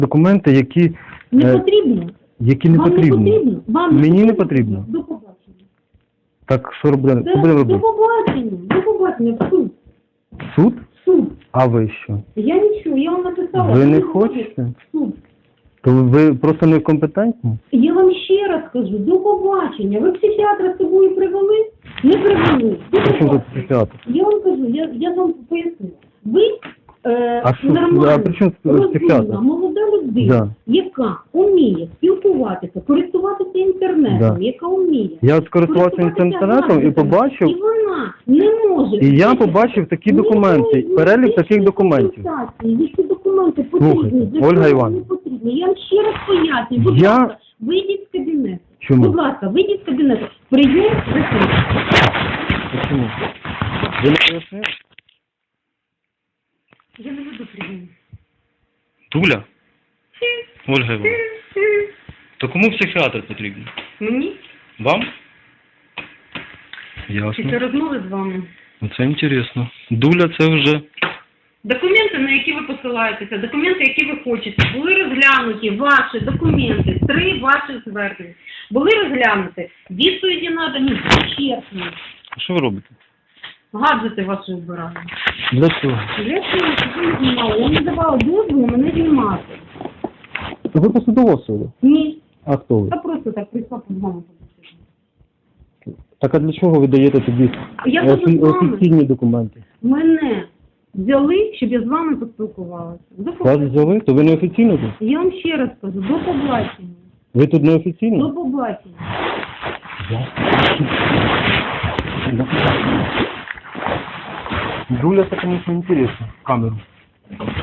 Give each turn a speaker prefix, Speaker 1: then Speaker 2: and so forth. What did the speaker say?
Speaker 1: Документи, які
Speaker 2: Не потрібно.
Speaker 1: які не
Speaker 2: Вам не
Speaker 1: потрібні.
Speaker 2: потрібно. Вам
Speaker 1: Мені не потрібно.
Speaker 2: До побачення.
Speaker 1: Так що робити? Що будемо
Speaker 2: До
Speaker 1: робити?
Speaker 2: побачення. До побачення. В суд.
Speaker 1: Суд?
Speaker 2: Суд.
Speaker 1: А ви що?
Speaker 2: Я нічого, я вам написала.
Speaker 1: Ви не
Speaker 2: не
Speaker 1: хочете?
Speaker 2: Суд.
Speaker 1: То ви просто некомпетентні?
Speaker 2: Я вам ще раз кажу, до побачення. Ви психіатра з собою привели? Не привели. До
Speaker 1: При чому тут
Speaker 2: побачення.
Speaker 1: психіатр?
Speaker 2: Я вам кажу, я вам поясню. Ви
Speaker 1: А що?
Speaker 2: нормальна,
Speaker 1: А при чому тут психіатр?
Speaker 2: розумна, молода людина,
Speaker 1: Да.
Speaker 2: яка вміє спілкуватися, користуватися інтернетом,
Speaker 1: Да.
Speaker 2: яка вміє.
Speaker 1: Я скористувався
Speaker 2: користуватися
Speaker 1: інтернетом і
Speaker 2: гаджетами,
Speaker 1: побачив,
Speaker 2: І вона не може.
Speaker 1: і я побачив такі документи, перелік таких документів.
Speaker 2: Які документи потрібні?
Speaker 1: Слухайте,
Speaker 2: Для
Speaker 1: Ольга
Speaker 2: чого
Speaker 1: Іванівна.
Speaker 2: вони потрібні? Я вам ще раз пояснюю. Будь
Speaker 1: Я-
Speaker 2: ласка, вийдіть з кабінету.
Speaker 1: Чому?
Speaker 2: Будь ласка, вийдіть з кабінету. Прийом закритий.
Speaker 1: Чому? Ви не пояснили?
Speaker 2: Я не веду прийом.
Speaker 3: Туля? Ольга Івановна. То кому психіатр потрібен?
Speaker 2: Мені?
Speaker 3: Вам?
Speaker 2: Після
Speaker 3: Ясно.
Speaker 2: розмови з вами.
Speaker 3: Це інтересно. Дуля це вже...
Speaker 2: Документи, на які ви посилаєтеся, документи, які ви хочете, були розглянуті ваші документи, 3 ваших звернень. Були розглянуті, відповіді надані чесно.
Speaker 3: Що ви робите?
Speaker 2: Гаджети ваші вибирали.
Speaker 1: Для чого?
Speaker 2: Для цього, щоб ви не знімали. Я не давала дозволу мене знімати.
Speaker 1: Ви посудова особа?
Speaker 2: Ні.
Speaker 1: А хто ви?
Speaker 2: Я просто так прийшла по вами.
Speaker 1: Так а для чого ви даєте тоді
Speaker 2: Я буду з вами.
Speaker 1: офіційні документи?
Speaker 2: Мене взяли, щоб я з вами поспілкувалася. До
Speaker 1: Вас
Speaker 2: побачення.
Speaker 1: взяли? То ви не офіційно тут?
Speaker 2: Я вам ще раз кажу, до побачення.
Speaker 1: Ви тут не
Speaker 2: До
Speaker 1: офіційно?
Speaker 2: побачення.
Speaker 1: Дуля, это, конечно, интересно. Камеру.